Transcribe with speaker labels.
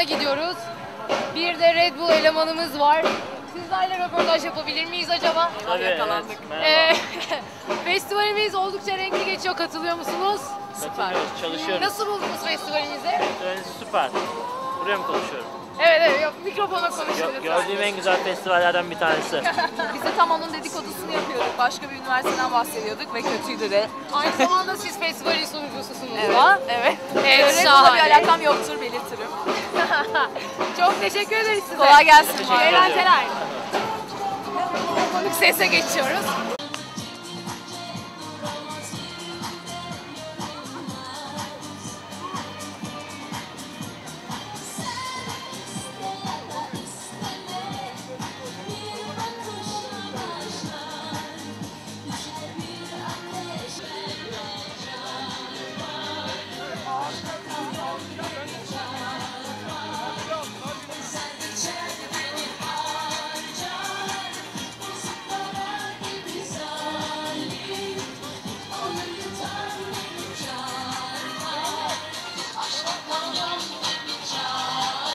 Speaker 1: Ekran'a gidiyoruz. Bir de Red Bull elemanımız var. Sizlerle röportaj yapabilir miyiz acaba?
Speaker 2: Tabii,
Speaker 3: Yakalandık.
Speaker 2: Evet,
Speaker 1: Festivalimiz oldukça renkli geçiyor. Katılıyor musunuz?
Speaker 2: süper. Çalışıyoruz.
Speaker 1: Nasıl buldunuz festivalimizi?
Speaker 2: Festivaliniz süper. Buraya mı konuşuyorum?
Speaker 1: Evet, yok, mikrofona konuşuyoruz.
Speaker 2: Gördüğüm en güzel festivallerden bir tanesi.
Speaker 3: Biz de tam onun dedikodusunu yapıyorduk. Başka bir üniversiteden bahsediyorduk ve kötüydü de.
Speaker 1: Aynı zamanda siz festivalin sunucususunuz
Speaker 3: Evet.
Speaker 1: da.
Speaker 3: Evet.
Speaker 1: Evet,
Speaker 3: Red Bull'la
Speaker 1: şahane.
Speaker 3: bir alakam yoktur belirtirim.
Speaker 1: Çok teşekkür ederiz size.
Speaker 3: Kolay gelsin.
Speaker 2: Teşekkür ederim.
Speaker 1: Eğlenceler. Konuk sese geçiyoruz.